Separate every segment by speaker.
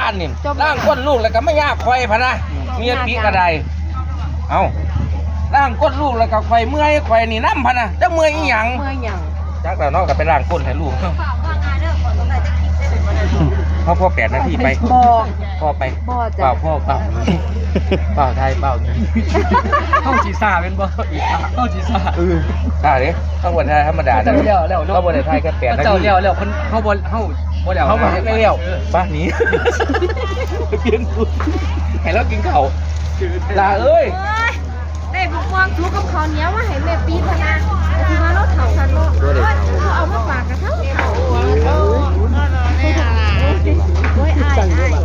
Speaker 1: านนี่ร่างก้นลูกแล้วก็ไม่ยากไฟพะนะเมียปีกระไดเอาร่างก้นลูกแล้วก็ไฟเมื่อยไฟนี่น้ำพะนะจะเมื่อยอีหยังจักแล้วนอกกับไปร่างก้นให้ลูกพ่อ8 นาทีไปพ่อไปเปล่าพ่อเปล่าเปล่าไทยเปล่านี่
Speaker 2: เข้าจีซ่าเป็นบ่เข้าจีซ่า
Speaker 1: ใช่ดิข้างบนไทยธรรมดาข้างบนไทยแค่8 นาที
Speaker 2: เจ้าเลี้ยวคนเข้าบนเข้าบ่เลี้ยว
Speaker 1: เขาบอกให้เลี้ยวป้าหนีเพี้ยนกูให้เรากินเขาลาเอ้ย
Speaker 3: ได้บุกวางทุกกับเขาเนี้ยว่าให้แม่ปีพนาคือว่ารถเถาคันรถเขาเอามาฝากกับเถาโอ้ยอาย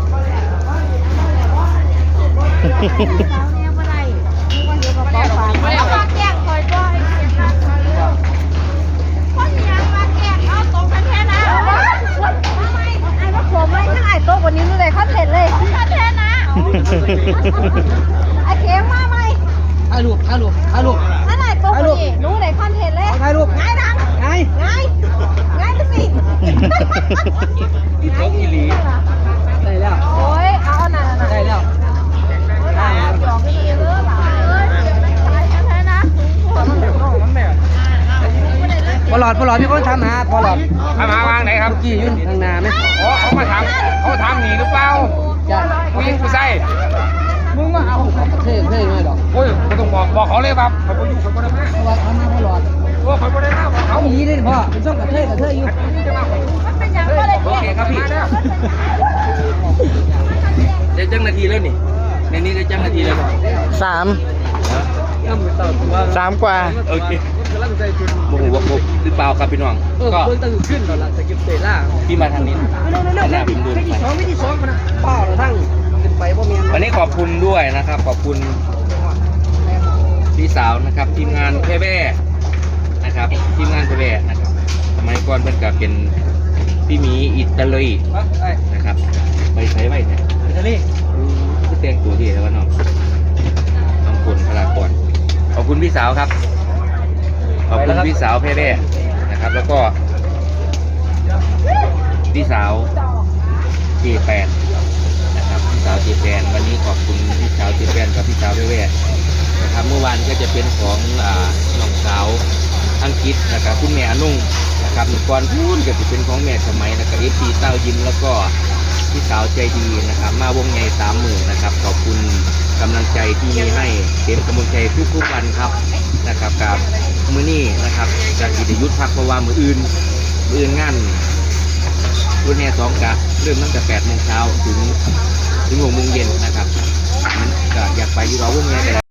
Speaker 3: เนี่ยบ่ได้คนเดียวกับเขาฝากแล้วฝากแกงคอยบ่ให้เสียค่าคนยังฝากแกงเอาตรงกันแท้นะไอ้ว่าผมไม่ทั้งไอ้โต๊ะวันนี้เลยคอนเทนต์เลยคอนเทนต์นะไอ้เข็มมาไหม
Speaker 2: ถ่ายรูป
Speaker 3: นั่นไหนตัวนี้รู้ไหนคอนเทนต์เลย
Speaker 2: ถ่ายรูป
Speaker 3: ง่ายดังง่ายไปสิ
Speaker 1: อีโต๊ะอีหลี
Speaker 2: ได้แล้ว
Speaker 3: โอ้ยเอาหน่า
Speaker 2: ได้แล้ว
Speaker 3: จองไปเลยเด้อหลานเอ้ยตายแท้ๆนะ
Speaker 2: พอหลอดมีคนถามหาพอหลอด
Speaker 1: มาวางไหนครับ
Speaker 2: กี่ยุ่นทางนาไหม
Speaker 1: อ๋อเขามาถามหนีหรือเปล่า
Speaker 2: จ้ะ
Speaker 1: วิ่งกูใส่
Speaker 2: มึงมาเอาเท่หน่อยดอก
Speaker 1: โอ้ยไม่ต้องบอกเขาเลยครับเขาอยู่เขาไม่ได้มา
Speaker 2: พอหลอดทำมาพอหลอด
Speaker 1: โอ้เขาไม่ได้มา
Speaker 2: เขาหนีได้พ่อเป็นช่องกระเทยอยู่
Speaker 3: มันเป็นอย่างก็เลย
Speaker 1: โอเคครับพี่ได้จังนาทีแล้วนี่ในนี้ได้จังนาทีแล้ว
Speaker 4: 3 กว่า
Speaker 1: โอเคโมโหวกหรือเปล่าครับพี่น้องก็
Speaker 2: ขึ้นตอนหลังจะเก็บเตะล่า
Speaker 1: พี่มาทางนี้หน้าพิมพ์ดู
Speaker 2: วิธี2นะเปล่าทั้งเป็นไปบ่มี
Speaker 1: วันนี้ขอบคุณด้วยนะครับขอบคุณพี่สาวนะครับทีมงานแพ่แบ่นะครับทีมงานแพ่แบ่นะครับสมัยก่อนเพิ่นก็เป็นพี่หมีอิตาลีนะครับไปใช้ไว้เนี่ย
Speaker 2: อิตาลี
Speaker 1: ก็แต่งตัวที่แล้วว่าน้องคนพลากรขอบคุณพี่สาวครับขอบคุณพี่สาวแพ่แบ่นะครับแล้วก็พี่สาวJ8นะครับพี่สาวJ8วันนี้ขอบคุณพี่สาวJ8กับพี่สาวแพ่แบ่นะครับเมื่อวานก็จะเป็นของน้องสาวอังกฤษนะครับคุณแม่นุ่งนะครับก่อนพูดก็จะเป็นของแม่สมัยนะครับเอฟซีเต้ายิ้มแล้วก็พี่สาวใจดีนะครับมาวงใหญ่30,000นะครับขอบคุณกำลังใจที่มีให้เป็นกำลังใจทุกวันครับนะครับกับมื้อนี้นะครับจากกิจยุทธพักเพราะว่ามื้ออื่นงานรุ่นแห่2กะเริ่มตั้งแต่8 โมงเช้าถึง6 โมงเย็นนะครับก็อยากไปอยู่เราวงใหญ่